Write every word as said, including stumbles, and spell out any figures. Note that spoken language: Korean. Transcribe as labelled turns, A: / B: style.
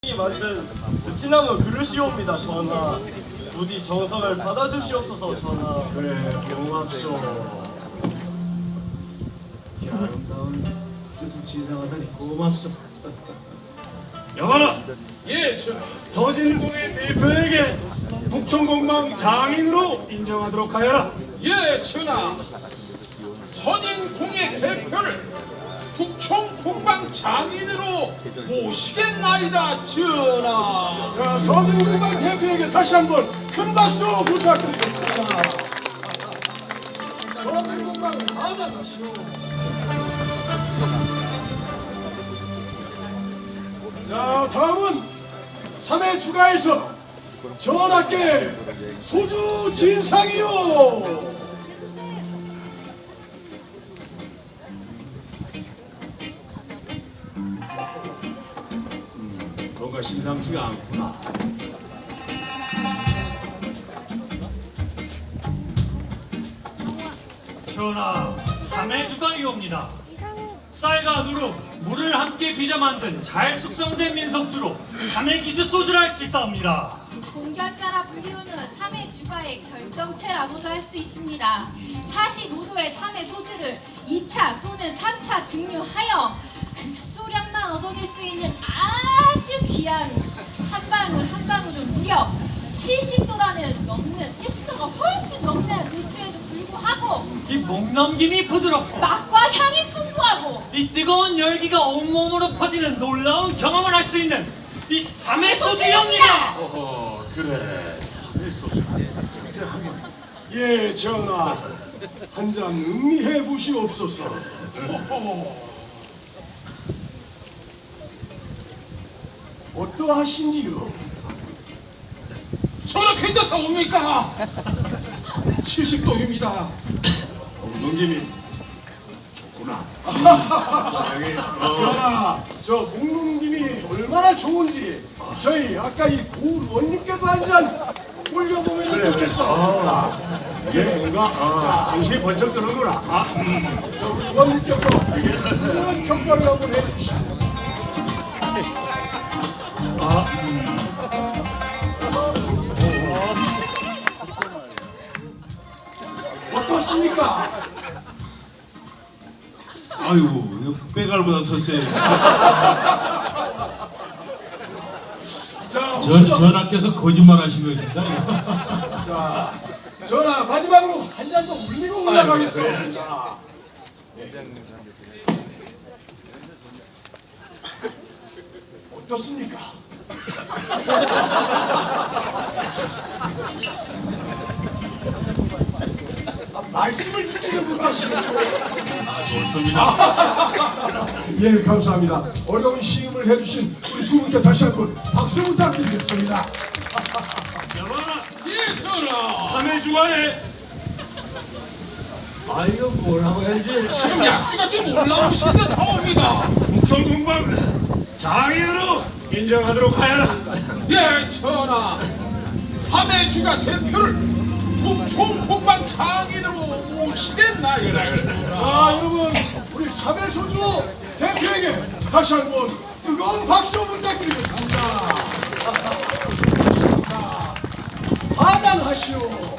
A: 이 만든 베트남어 그릇이옵니다 전하. 부디 정성을 받아주시옵소서 전하.
B: 그래 고맙소. 이 아름다운 뜻을 지상하다니 고맙소. 여봐라,
C: 예, 전하.
B: 서진궁의 대표에게 북촌공방 장인으로 인정하도록 하여라.
C: 예, 전하. 선인궁의 대표를 북촌공방 장인으로 모시겠나이다, 전하.
B: 자, 서진궁방 대표에게 다시 한번 큰 박수 부탁드리겠습니다. 서진궁방 받아가시오. 자, 다음은 삼회 추가해서 전하께 소주 진상이요. 뭔가 심상치가 않구나.
D: 전하, 삼해주강이옵니다. 쌀과 누룩, 물을 함께 빚어 만든 잘 숙성된 민속주로 삼해기주 소주를 할 수 있사옵니다.
E: 공결자라 불리우는 삼해 주가의 결정체라고도 할 수 있습니다. 사십오 도의 삼해 소주를 이 차 또는 삼 차 증류하여 극소량만 얻어낼 수 있는 아주 귀한 한 방울 한 방울은 무려 칠십 도라는 넘는 칠십 도가 훨씬 넘는 도수에도 불구하고
D: 이 목넘김이 부드럽고
E: 맛과 향이 풍부하고
D: 이 뜨거운 열기가 온몸으로 퍼지는 놀라운 경험을 할 수 있는 이 삼해소주이옵니다.
B: 어, 그래. 삼해소주. 예, 전하. 한 잔 음미해 보시옵소서. 어떠하신지요?
C: 전하, 괜찮사옵니까? 칠십 도입니다.
B: 목넘김이 좋구나. 전하, 저 목넘김이 얼마나 좋은지 저희 아까 이 고의원님께도 한 잔 올려보면 좋겠어. 예, 뭔가 자, 당신이 번쩍 드는구나. 아, 음. 저 우리 의원님께서 훌륭한 평가를 한번 해주시고. 아, 음. 어떻습니까?
F: 아이고, 이거 빼갈보다 더 세.
B: 자,
F: 전, 전하께서 거짓말 하신 겁니다. 이거.
B: 자, 전하 마지막으로 한 잔 더 울리고 올라가겠습니다. 네. 어떻습니까? 아, 말씀을 잊지를 못하시겠어요.
F: 아, 좋습니다.
B: 예, 감사합니다. 어려운 시음을 해주신 우리 두 분께 다시 한번 박수 부탁드리겠습니다.
D: 여봐라,
C: 예, 전하.
D: 삼해주가에
B: 아, 이거 뭐라고 해야지?
C: 지금 약주가 좀 올라오신 듯 하옵니다.
B: 북촌공방 장인으로 인정하도록 하여라.
C: 예, 전하. 삼해주가 대표를 북촌공방 장인으로 모시겠나이다.
B: 자, 여러분, 우리 삼해소주 대표에게 다시 한번 뜨거운 박수 부탁드리겠습니다. 자, 하단하시오.